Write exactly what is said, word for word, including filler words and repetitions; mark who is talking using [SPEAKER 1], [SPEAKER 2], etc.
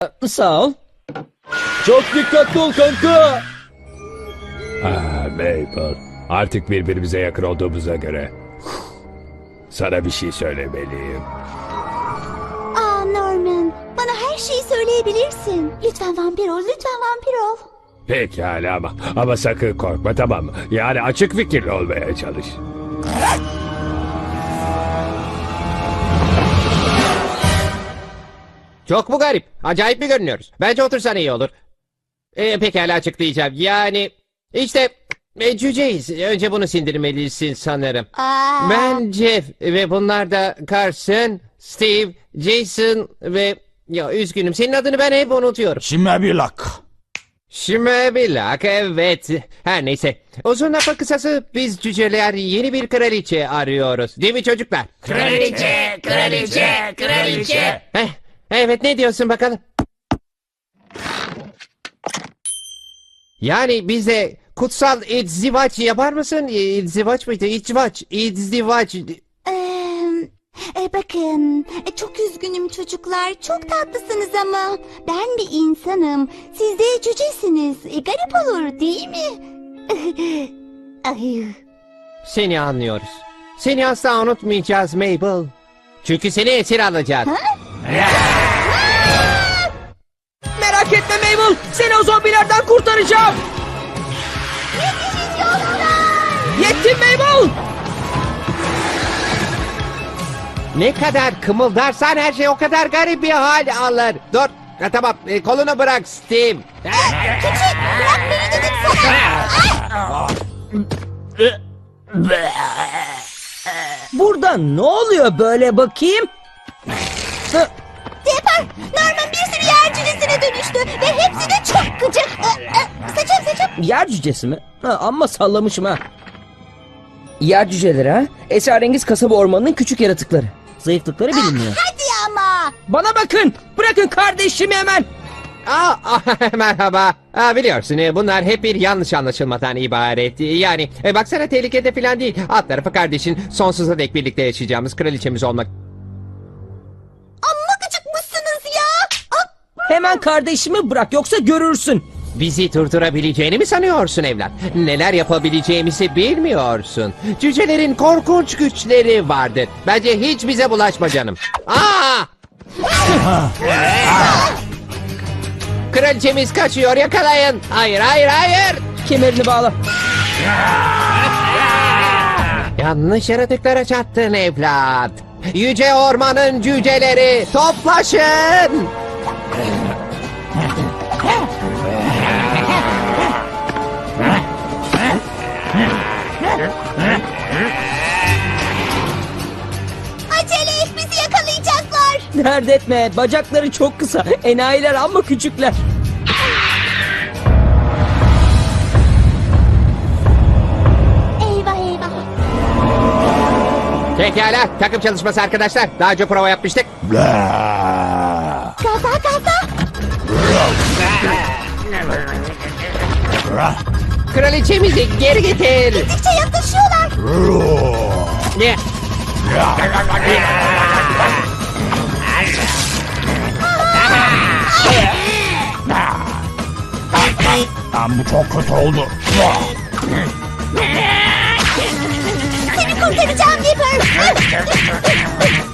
[SPEAKER 1] Sağ ol.
[SPEAKER 2] Çok dikkatli ol kanka.
[SPEAKER 3] Ah Maple, artık birbirimize yakın olduğumuza göre sana bir şey söylemeliyim.
[SPEAKER 4] Aa Norman, bana her şeyi söyleyebilirsin. Lütfen vampir ol, lütfen vampir ol.
[SPEAKER 3] Pekala ama, ama sakın korkma, tamam mı? Yani açık fikirli olmaya çalış.
[SPEAKER 5] Çok mu garip? Acayip mi görünüyoruz? Bence otursan iyi olur. Ee, pekala açıklayacağım. Yani işte e, cüceyiz. Önce bunu sindirmelisin sanırım.
[SPEAKER 4] Aa,
[SPEAKER 5] Ben Jeff ve bunlar da Carson, Steve, Jason ve... Ya üzgünüm, senin adını ben hep unutuyorum.
[SPEAKER 6] Şimebilak.
[SPEAKER 5] Şimebilak, evet. Her neyse. Uzun lafın kısası biz cüceler yeni bir kraliçe arıyoruz. Değil mi çocuklar?
[SPEAKER 7] Kraliçe, kraliçe, kraliçe.
[SPEAKER 5] Heh, evet, ne diyorsun bakalım? Yani bize kutsal izdivaç yapar mısın? İzdivaç mıydı? İzdivaç, izdivaç.
[SPEAKER 4] Ee, e, bakın, e, çok üzgünüm çocuklar. Çok tatlısınız ama ben bir insanım. Siz de cücesiniz. E, garip olur değil mi? Ay.
[SPEAKER 5] Seni anlıyoruz. Seni asla unutmayacağız Mabel. Çünkü seni esir alacağız.
[SPEAKER 1] Merak etme Mabel. Seni o zombilerden kurtaracağım. Yettim Mabel.
[SPEAKER 5] Ne kadar kımıldarsan her şey o kadar garip bir hal alır. Dur. Ha, tamam, e, kolunu bırak Steve.
[SPEAKER 4] Küçük, bırak beni dedim sana.
[SPEAKER 1] Burada ne oluyor böyle bakayım? Hı,
[SPEAKER 4] Depar, Norman bir sürü yer cücesine dönüştü ve hepsi de çok gıcık. Ee, e, Saçım saçım.
[SPEAKER 1] yer cücesi mi? Ha, amma sallamışım ha. Yer cüceleri ha? Esrarengiz kasaba ormanının küçük yaratıkları. Zayıflıkları bilinmiyor.
[SPEAKER 4] Hadi ama.
[SPEAKER 1] Bana bakın. Bırakın kardeşimi hemen.
[SPEAKER 5] Aa, aa, merhaba. Aa, biliyorsun e, bunlar hep bir yanlış anlaşılmadan ibaret. Yani e, baksana tehlikede falan değil. Alt tarafı kardeşin sonsuza dek birlikte yaşayacağımız kraliçemiz olmak.
[SPEAKER 4] Amma gıcıkmışsınız ya. Ah,
[SPEAKER 1] Hemen kardeşimi bırak yoksa görürsün.
[SPEAKER 5] Bizi durdurabileceğini mi sanıyorsun evlat? Neler yapabileceğimizi bilmiyorsun. Cücelerin korkunç güçleri vardır. Bence hiç bize bulaşma canım. Aa! Kraliçemiz kaçıyor, yakalayın. Hayır, hayır, hayır.
[SPEAKER 1] Kemerini bağla.
[SPEAKER 5] Yanlış yaratıklara çattın evlat. Yüce ormanın cüceleri toplaşın.
[SPEAKER 4] acele et, bizi yakalayacaklar.
[SPEAKER 1] Dert etme. Bacakları çok kısa. Enayiler ama küçükler.
[SPEAKER 4] Eyvah eyvah.
[SPEAKER 5] Pekala, takım çalışması arkadaşlar. Daha önce prova yapmıştık.
[SPEAKER 6] Bla.
[SPEAKER 4] Gaza gaza.
[SPEAKER 5] Kraliçemizi geri getir.
[SPEAKER 4] Gittikçe yaklaşıyorlar.
[SPEAKER 5] Ne?
[SPEAKER 6] Lan bu çok kötü oldu.
[SPEAKER 4] Seni kurtaracağım Dipper.